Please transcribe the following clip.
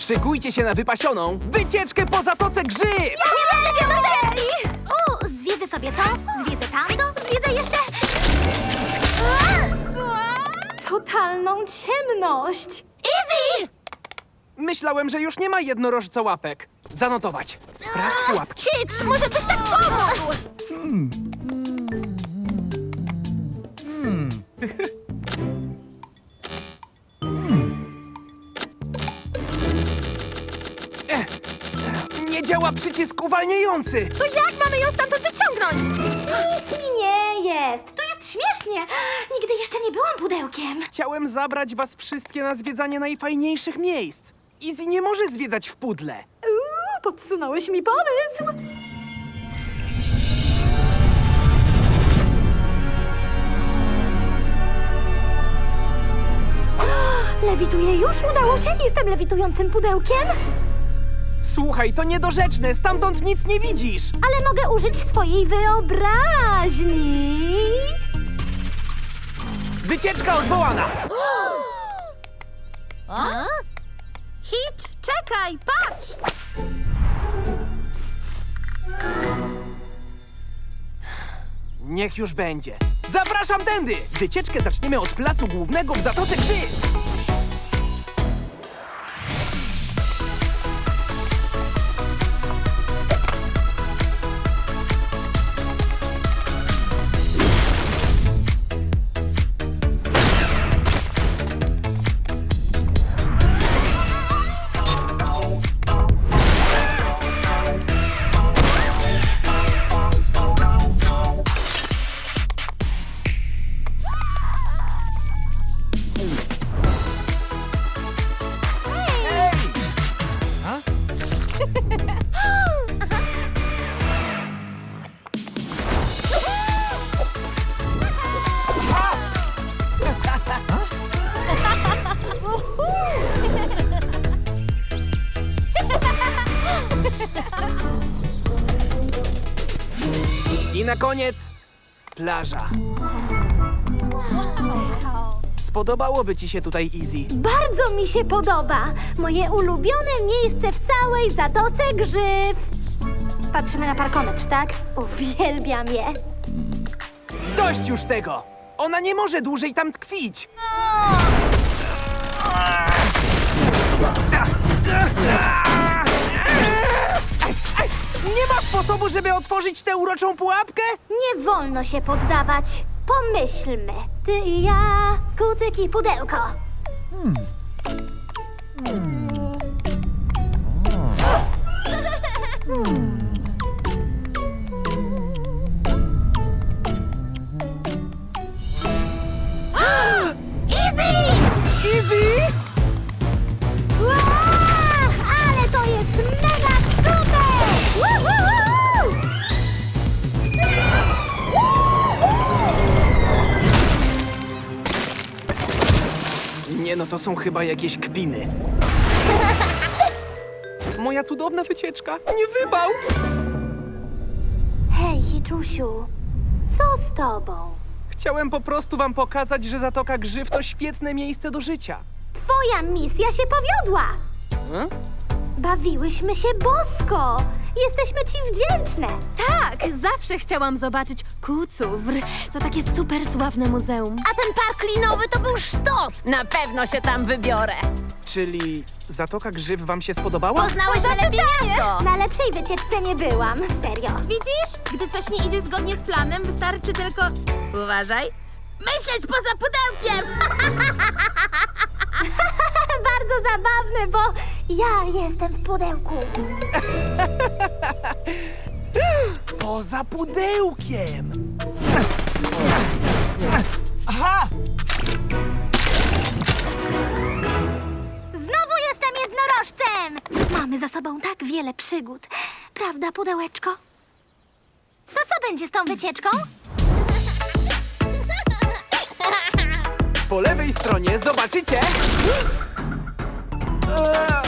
Szykujcie się na wypasioną wycieczkę po Zatoce Grzyw! Nie będę się doczekli! Zwiedzę sobie to, zwiedzę tamto, zwiedzę jeszcze... Totalną ciemność! Easy! Myślałem, że już nie ma jednorożcołapek. Zanotować. Sprawdź pułapki. Hitch, może byś tak pomógł! Nie działa przycisk uwalniający! To jak mamy ją stamtąd wyciągnąć? Nic mi nie jest! To jest śmiesznie! Nigdy jeszcze nie byłam pudełkiem. Chciałem zabrać was wszystkie na zwiedzanie najfajniejszych miejsc. Izzy nie może zwiedzać w pudle. Podsunąłeś mi pomysł! Lewituję już? Udało się? Jestem lewitującym pudełkiem? Słuchaj, to niedorzeczne, stamtąd nic nie widzisz! Ale mogę użyć swojej wyobraźni. Wycieczka odwołana! Hitch, czekaj, patrz! Niech już będzie. Zapraszam tędy! Wycieczkę zaczniemy od placu głównego w Zatoce Grzyw! I na koniec plaża. Spodobałoby ci się tutaj, Izzy. Bardzo mi się podoba. Moje ulubione miejsce w całej Zatoce Grzyw. Patrzymy na parkometr, tak? Uwielbiam je. Dość już tego! Ona nie może dłużej tam tkwić! Nie ma sposobu, żeby otworzyć tę uroczą pułapkę? Nie wolno się poddawać. Pomyślmy. Ty i ja, kucyk i pudełko. Izzy! Ła! Ale to jest mega super! Woohoo! Nie no, to są chyba jakieś kpiny. Moja cudowna wycieczka. Nie wybał! Hej, Hiczusiu, co z tobą? Chciałem po prostu wam pokazać, że Zatoka Grzyw to świetne miejsce do życia. Twoja misja się powiodła. Hmm? Bawiłyśmy się bosko. Jesteśmy ci wdzięczne. Tak, zawsze chciałam zobaczyć Kucówr. To takie super sławne muzeum. A ten park linowy to był sztos! Na pewno się tam wybiorę. Czyli Zatoka Grzyw wam się spodobała? Poznałeś lepiej miasto! Na lepszej wycieczce nie byłam, serio. Widzisz? Gdy coś nie idzie zgodnie z planem, wystarczy tylko... Uważaj. Myśleć poza pudełkiem! Bardzo zabawne, bo ja jestem w pudełku. Poza pudełkiem! Aha! Znowu jestem jednorożcem! Mamy za sobą tak wiele przygód. Prawda, pudełeczko? To co będzie z tą wycieczką? Po lewej stronie zobaczycie...